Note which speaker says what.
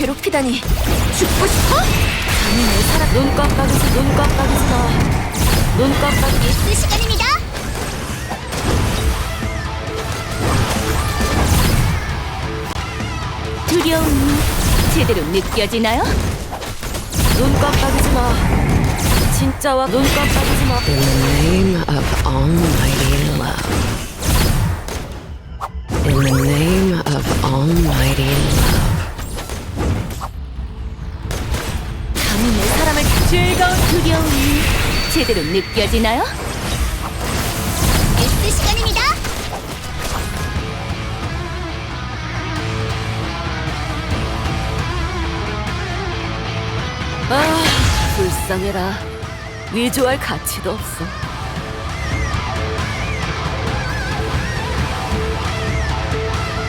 Speaker 1: 괴롭히다니. 죽고 싶어? 감히 내 사랑. 눈 깜빡이지 마. 눈 깜빡이기.
Speaker 2: 뉴스 시간입니다.
Speaker 1: 두려움이 제대로 느껴지나요? 눈 깜빡이지 마. 진짜와 눈 깜빡이지 마.
Speaker 3: In the name of almighty love. In the name of almighty love.
Speaker 1: 감히 내 사람을. 즐거운 두려움이 제대로 느껴지나요?
Speaker 2: 뉴스 시간입니다.
Speaker 1: 아, 불쌍해라. 위조할 가치도 없어.